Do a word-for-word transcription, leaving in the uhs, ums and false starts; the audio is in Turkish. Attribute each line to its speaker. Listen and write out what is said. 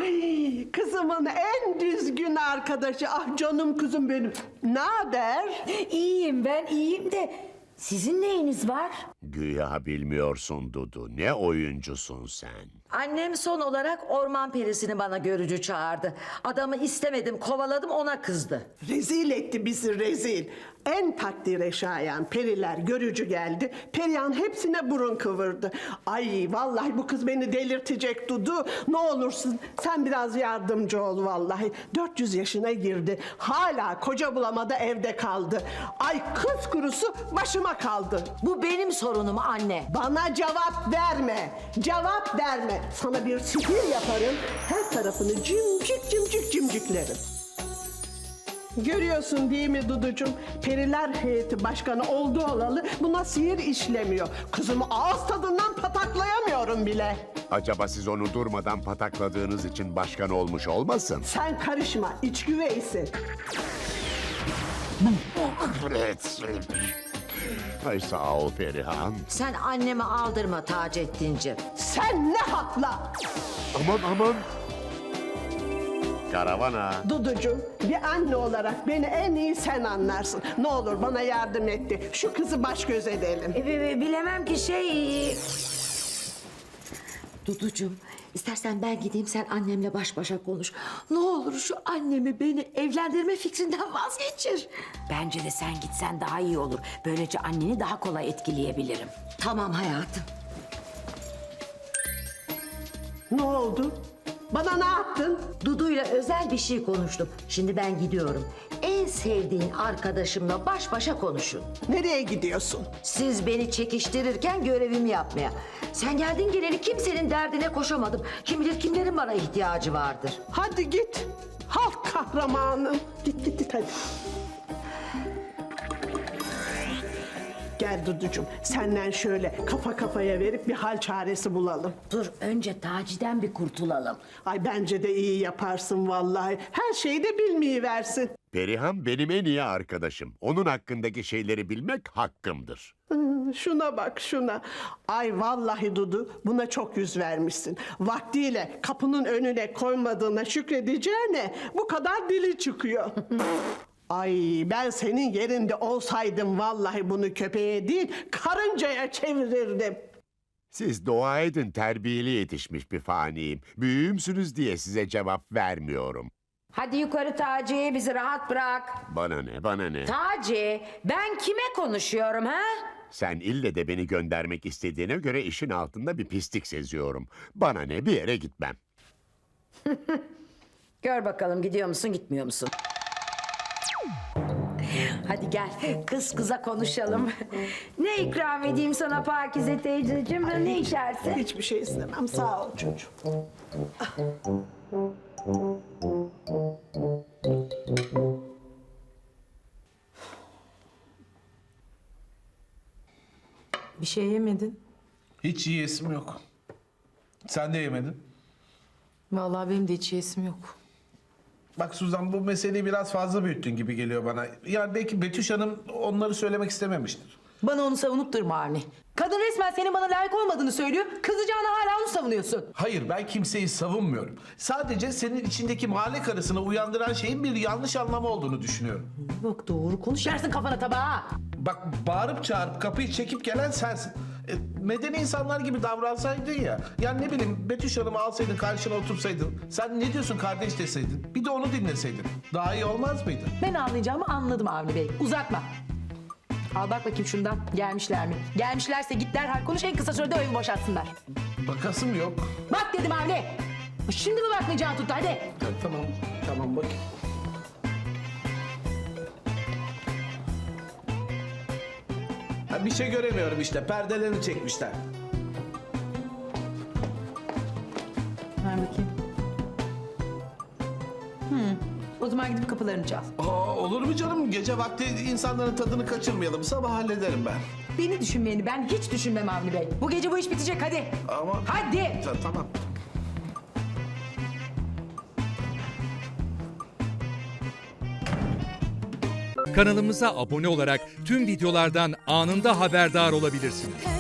Speaker 1: Ay kızımın en düzgün arkadaşı. Ah canım kızım benim. Ne haber?
Speaker 2: İyiyim ben iyiyim de sizin neyiniz var?
Speaker 3: Güya bilmiyorsun Dudu. Ne oyuncusun sen?
Speaker 2: Annem son olarak orman perisini bana görücü çağırdı. Adamı istemedim, kovaladım, ona kızdı.
Speaker 1: Rezil etti bizi rezil. En takdire şayan periler görücü geldi. Perihan hepsine burun kıvırdı. Ay vallahi bu kız beni delirtecek Dudu. Ne olursun sen biraz yardımcı ol vallahi. dört yüz yaşına girdi. Hala koca bulamadı, evde kaldı. Ay kız kurusu başıma kaldı.
Speaker 2: Bu benim sorunum anne.
Speaker 1: Bana cevap verme. Cevap verme. Sana bir sihir yaparım. Her tarafını cimcik cimcik cimciklerim. Görüyorsun değil mi Duducuğum? Periler heyeti başkanı oldu olalı buna sihir işlemiyor. Kızımı ağız tadından pataklayamıyorum bile.
Speaker 3: Acaba siz onu durmadan patakladığınız için başkan olmuş olmasın?
Speaker 1: Sen karışma, iç güveysi.
Speaker 3: Evet. Ay sağ ol Perihan.
Speaker 2: Sen annemi aldırma Taceddin'ciğim.
Speaker 1: Sen ne hakla?
Speaker 3: Aman aman. Karavana.
Speaker 1: Duducuğum, bir anne olarak beni en iyi sen anlarsın. Ne olur bana yardım etti. Şu kızı baş göz edelim.
Speaker 2: E, bi- bi- bilemem ki şey... Duducuğum, istersen ben gideyim sen annemle baş başa konuş. Ne olur şu annemi beni evlendirme fikrinden vazgeçir.
Speaker 4: Bence de sen gitsen daha iyi olur. Böylece anneni daha kolay etkileyebilirim.
Speaker 2: Tamam hayatım.
Speaker 1: Ne oldu? Bana ne yaptın?
Speaker 2: Dudu'yla özel bir şey konuştum. Şimdi ben gidiyorum. En sevdiğin arkadaşımla baş başa konuşun.
Speaker 1: Nereye gidiyorsun?
Speaker 2: Siz beni çekiştirirken görevimi yapmaya. Sen geldin geleli kimsenin derdine koşamadım. Kim bilir kimlerin bana ihtiyacı vardır.
Speaker 1: Hadi git. Halk kahramanı. Git git git hadi. Gel Duducuğum, senden şöyle kafa kafaya verip bir hal çaresi bulalım.
Speaker 4: Dur önce Taci'den bir kurtulalım.
Speaker 1: Ay bence de iyi yaparsın vallahi. Her şeyi de bilmeyi versin.
Speaker 3: Perihan benim en iyi arkadaşım. Onun hakkındaki şeyleri bilmek hakkımdır.
Speaker 1: Şuna bak şuna. Ay vallahi Dudu buna çok yüz vermişsin. Vaktiyle kapının önüne koymadığına şükredeceğine bu kadar dili çıkıyor. Ay ben senin yerinde olsaydım vallahi bunu köpeğe değil karıncaya çevirirdim.
Speaker 3: Siz dua edin terbiyeli yetişmiş bir faniyim. Büyüğümsünüz diye size cevap vermiyorum.
Speaker 4: Hadi yukarı Taci, bizi rahat bırak.
Speaker 3: Bana ne bana ne?
Speaker 4: Taci, ben kime konuşuyorum ha?
Speaker 3: Sen ille de beni göndermek istediğine göre işin altında bir pislik seziyorum. Bana ne bir yere gitmem.
Speaker 4: Gör bakalım gidiyor musun gitmiyor musun? Hadi gel kız kıza konuşalım. Ne ikram edeyim sana Pakize teyzeciğim? Ne içersin?
Speaker 1: Hiçbir şey istemem sağ ol çocuğum.
Speaker 5: Bir şey yemedin.
Speaker 6: Hiç yiyesim yok. Sen de yemedin.
Speaker 5: Vallahi benim de hiç yesim yok.
Speaker 6: Bak Suzan bu meseleyi biraz fazla büyüttün gibi geliyor bana. Yani belki Betüş Hanım onları söylemek istememiştir.
Speaker 5: Bana onu savunup durma Avni. Kadın resmen senin bana layık olmadığını söylüyor. Kızacağına hala onu savunuyorsun.
Speaker 6: Hayır ben kimseyi savunmuyorum. Sadece senin içindeki mahalle karısını uyandıran şeyin bir yanlış anlamı olduğunu düşünüyorum.
Speaker 5: Bak doğru konuş yersin kafana tabağa.
Speaker 6: Bak bağırıp çağırıp kapıyı çekip gelen sensin. E, medeni insanlar gibi davransaydın ya. Yani ne bileyim Betüş Hanım'ı alsaydın karşına otursaydın. Sen ne diyorsun kardeş deseydin. Bir de onu dinleseydin. Daha iyi olmaz mıydı?
Speaker 5: Ben anlayacağımı anladım Avni Bey. Uzatma. Al bak bakayım şundan. Gelmişler mi? Gelmişlerse git derhal konuş en kısa sürede o evi boşaltsınlar.
Speaker 6: Bakasım yok.
Speaker 5: Bak dedim Avni. Şimdi mi bakmayacağını tuttu hadi.
Speaker 6: Ya, tamam tamam bak. Ha, bir şey göremiyorum işte. Perdelerini çekmişler.
Speaker 5: Ver bakayım. Hmm. O zaman gidip kapılarını çal.
Speaker 6: Aa, olur mu canım? Gece vakti insanların tadını kaçırmayalım. Sabah hallederim ben.
Speaker 5: Beni düşünmeyeni ben hiç düşünmem Avni Bey. Bu gece bu iş bitecek hadi.
Speaker 6: Ama...
Speaker 5: Hadi.
Speaker 6: Ta- tamam.
Speaker 7: Kanalımıza abone olarak tüm videolardan anında haberdar olabilirsiniz.